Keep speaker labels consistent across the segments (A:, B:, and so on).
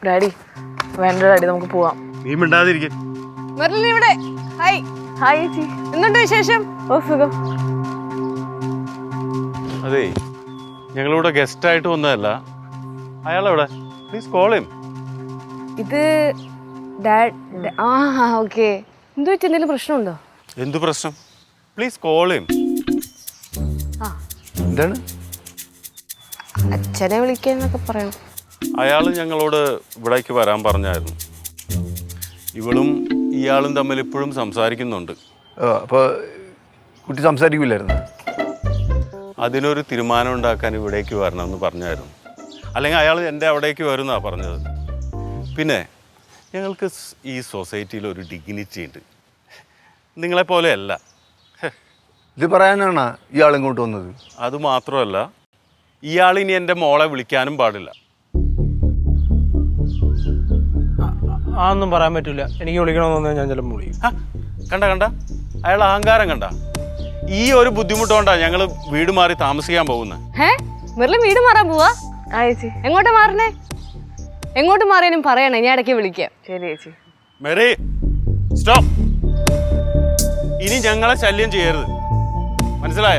A: Daddy വേണ്ട daddy നമുക്ക് പോവാം.
B: നീ മിണ്ടാതിരിക്കും.
C: ഇവിടെ ഹായ്.
A: ഹായ് ചേച്ചി,
C: എന്തുണ്ട് വിശേഷം?
A: ഓ സുഖം.
B: അതെ, ഞങ്ങളിവിടെ ഗസ്റ്റ് ആയിട്ട് വന്നതല്ല. അയാളെവിടെ? Please call him.
C: ഇത് ഓക്കെ. എന്തു വെച്ച് എന്തെങ്കിലും പ്രശ്നമുണ്ടോ?
B: എന്തു പ്രശ്നം? Please call him.
D: എന്താണ്?
C: അച്ഛനെ വിളിക്കാന്നൊക്കെ പറയണം.
B: അയാൾ ഞങ്ങളോട് ഇവിടേക്ക് വരാൻ പറഞ്ഞായിരുന്നു. ഇവളും ഇയാളും തമ്മിൽ ഇപ്പോഴും സംസാരിക്കുന്നുണ്ട്.
D: അപ്പോൾ കുട്ടി സംസാരിക്കില്ലായിരുന്നു?
B: അതിനൊരു തീരുമാനം ഉണ്ടാക്കാൻ ഇവിടേക്ക് വരണമെന്ന് പറഞ്ഞായിരുന്നു. അല്ലെങ്കിൽ അയാൾ എൻ്റെ അവിടേക്ക് വരുമെന്നാണ് പറഞ്ഞത്. പിന്നെ ഞങ്ങൾക്ക് ഈ സൊസൈറ്റിയിൽ ഒരു ഡിഗ്നിറ്റി ഉണ്ട്, നിങ്ങളെപ്പോലെയല്ല.
D: ഇത് പറയാനാണ് ഇയാൾ ഇങ്ങോട്ട് വന്നത്?
B: അതുമാത്രമല്ല, ഇയാൾ ഇനി എൻ്റെ മോളെ വിളിക്കാനും പാടില്ല.
E: ഒന്നും പറയാൻ പറ്റില്ല. എനിക്ക് വിളിക്കണമെന്ന് ഞാൻ ചിലപ്പോൾ വിളിക്കും.
B: കണ്ട അയാൾ അഹങ്കാരം കണ്ട. ഈ ഒരു ബുദ്ധിമുട്ടുകൊണ്ടാണ് ഞങ്ങൾ വീട് മാറി താമസിക്കാൻ പോകുന്നത്.
C: മെറിലും വീട് മാറാൻ പോവാ?
A: ആ ചേച്ചി.
C: എങ്ങോട്ടാ മാറണേ? എങ്ങോട്ട് മാറിയാലും പറയണേ, ഞാൻ ഇടയ്ക്ക് വിളിക്കാം.
A: ശരി ചേച്ചി.
B: Mary, stop. ഇനി ഞങ്ങളെ ശല്യം ചെയ്യരുത്, മനസ്സിലായ?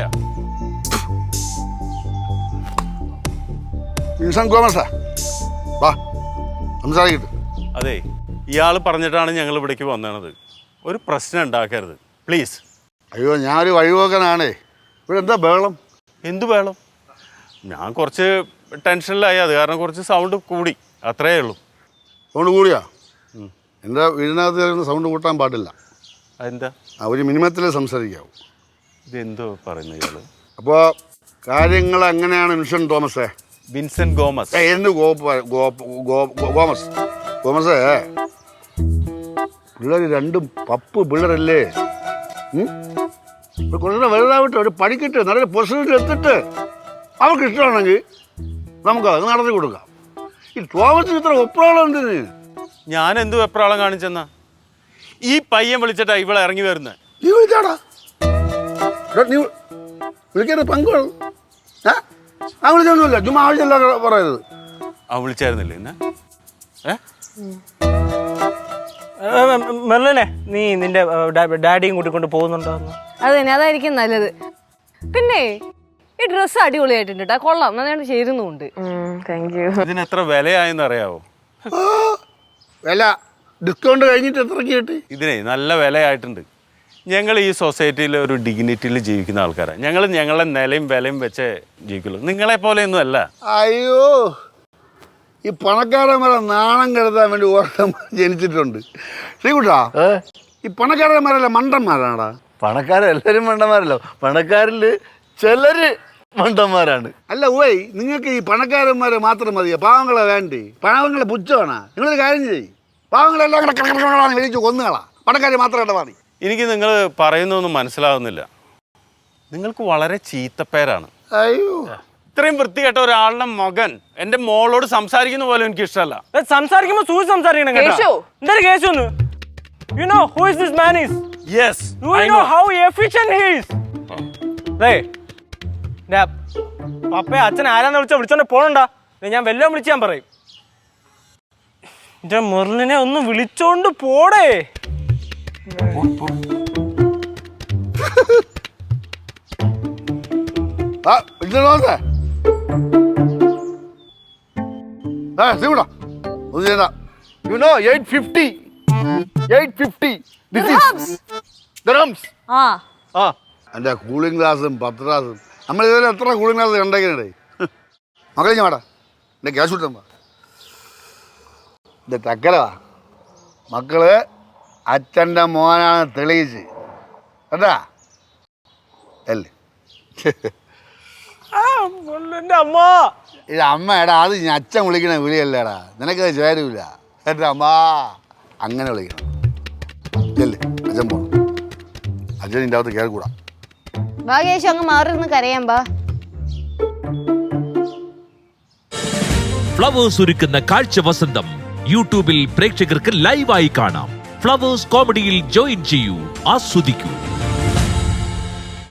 B: അതെ, ഇയാൾ പറഞ്ഞിട്ടാണ് ഞങ്ങൾ ഇവിടേക്ക് വന്നത്. ഒരു പ്രശ്നം ഉണ്ടാക്കരുത് പ്ലീസ്.
F: അയ്യോ, ഞാനൊരു വഴിപോക്കനാണേ. ഇവിടെ എന്താ ബഹളം?
B: എന്തു ബഹളം? ഞാൻ കുറച്ച് ടെൻഷനിലായി, അത് കാരണം കുറച്ച് സൗണ്ട് കൂടി, അത്രയേ ഉള്ളൂ.
F: സൗണ്ട് കൂടിയാ? എൻ്റെ വീടിനകത്ത് സൗണ്ട് കൂട്ടാൻ പാടില്ല.
B: അതെന്താ?
F: ഒരു മിനിമത്തിലേ സംസാരിക്കാവൂ.
B: ഇതെന്തോ പറയുന്നത് ഇയാൾ?
F: അപ്പോൾ കാര്യങ്ങൾ എങ്ങനെയാണ് വിൻസെൻ്റ് തോമസേ?
B: Vincent Gomez.
F: എന്ത് ഗോമസ്? ഗോമസേ, പിള്ളേർ രണ്ടും പപ്പ് പിള്ളേരല്ലേ? കുറച്ചുകൂടെ വലുതാവിട്ട് ഒരു പഠിക്കട്ടെ, നല്ലൊരു പൊസിഷനിൽ എത്തിട്ട് അവർക്ക് ഇഷ്ടമാണെങ്കിൽ നമുക്കത് നടത്തി കൊടുക്കാം. ഈ തോമസിന് ഇത്ര വെപ്രാളം എന്തിന്?
B: ഞാൻ എന്ത് വെപ്രാളം കാണിച്ചെന്നാ? ഈ പയ്യൻ വിളിച്ചിട്ടാ ഇവളെ ഇറങ്ങി വരുന്നത്.
F: നീ വിളിച്ചാടാ? നീ വിളിക്കാതെ പങ്കുവേണം. ആ വിളിച്ചൊന്നുമില്ല, ചുമ്മാ ആവശ്യമില്ല പറയരുത്.
B: ആ വിളിച്ചായിരുന്നില്ലേ എന്നെ?
E: മെർലിനെ, നീ നിന്റെ ഡാഡിയും കൂട്ടിക്കൊണ്ട് പോകുന്നുണ്ടോ?
C: അത് തന്നെ, അതായിരിക്കും നല്ലത്. പിന്നെ ഈ ഡ്രസ്സ് അടിപൊളിയായിട്ടുണ്ട് കേട്ടോ, കൊള്ളാം, നന്നായിട്ട് ചേരുന്നുണ്ട്.
A: Thank you.
B: ഇതിന് എത്ര വിലയായെന്ന് അറിയാവോ?
F: വില ഡിസ്കൗണ്ട് കഴിഞ്ഞിട്ട് എത്രയ്ക്ക് കിട്ടി?
B: ഇതിനെ നല്ല വിലയായിട്ടുണ്ട്. ഞങ്ങൾ ഈ സൊസൈറ്റിയിൽ ഒരു ഡിഗ്നിറ്റിയിൽ ജീവിക്കുന്ന ആൾക്കാരാണ്. ഞങ്ങൾ ഞങ്ങളുടെ നിലയും വിലയും വെച്ചേ ജീവിക്കുള്ളൂ, നിങ്ങളെ പോലെയൊന്നും അല്ല.
F: അയ്യോ, ഈ പണക്കാരന്മാരെ നാണം കെടുത്താൻ വേണ്ടി ഓർമ്മ ജനിച്ചിട്ടുണ്ട്. ശ്രീകുട്ടാ, ഈ പണക്കാരന്മാരല്ല മണ്ടന്മാരാണടാ.
D: പണക്കാരെല്ലാവരും മണ്ടന്മാരല്ലോ, പണക്കാരിൽ ചിലര് മണ്ടന്മാരാണ്.
F: അല്ല ഓയ്, നിങ്ങൾക്ക് ഈ പണക്കാരന്മാരെ മാത്രം മതിയോ? പാവങ്ങളെ വേണ്ടേ? പാവങ്ങളെ പുച്ഛമാണ്. നിങ്ങളൊരു കാര്യം ചെയ്യും, പാവങ്ങളെല്ലാം കൂടെ വിളിച്ചു കൊന്നുകളാ, പണക്കാരെ മാത്രം ഇടപാടി.
B: എനിക്ക് നിങ്ങൾ പറയുന്നൊന്നും മനസ്സിലാവുന്നില്ല. നിങ്ങൾക്ക് വളരെ ചീത്തപ്പേരാണ്.
F: അയ്യോ,
B: ഇത്രയും വൃത്തികെട്ട ഒരാളുടെ മകൻ എൻ്റെ മോളോട് സംസാരിക്കുന്ന പോലെ എനിക്ക് ഇഷ്ടമല്ല.
E: സംസാരിക്കുമ്പോൾ സൂചി സംസാരിക്കണം കേട്ടോ. എന്തൊരു കേസൊന്ന്? You know who is this man is?
B: Yes,
E: Do you know how efficient he is? പപ്പയെ അച്ഛൻ ആരാന്ന് വിളിച്ചോണ്ട് പോണണ്ട. ഞാൻ വല്ലതും വിളിച്ച് ഞാൻ പറയും. എന്റെ മെർലിനെ ഒന്ന് വിളിച്ചോണ്ട് പോടേ.
F: You know 850. 850 dirhams. എൻ്റെ കൂളിംഗ് ഗ്ലാസും 10 ഗ്ലാസും നമ്മൾ ഇതുവരെ എത്ര കൂളിംഗ് ഗ്ലാസ് കണ്ടേക്കണേ? മക്കളെ ഞാൻ വേടാ, എൻ്റെ ക്യാഷ് കിട്ടുമ്പോ എൻ്റെ തക്കലവാ. മക്കള് അച്ഛൻ്റെ മോനാണ് തെളിയിച്ച് കേട്ടാ അല്ലേ?
E: എന്റെ അമ്മ,
F: ഇത് അമ്മ എടാ, അത് ഞാൻ അച്ഛൻ വിളിക്കണ വിളിയല്ലേടാ, നിനക്കത് ചേരൂല. എൻ്റെ അമ്മ അങ്ങനെ വിളിക്കണം അല്ലേ? അച്ഛൻ പോണം, അച്ഛൻ ഇതിൻ്റെ അകത്ത് കയറിക്കൂടാ.
C: ഭാഗ്യേശു അങ്ങ് മാറിയിരുന്ന് കരയാൻ ബാ.
G: ഫ്ലവേഴ്സ് ഒരുക്കുന്ന കാഴ്ച വസന്തം യൂട്യൂബിൽ പ്രേക്ഷകർക്ക് ലൈവായി കാണാം. ഫ്ലവേഴ്സ് കോമഡിയിൽ ജോയിൻ ചെയ്യൂ, ആസ്വദിക്കൂ.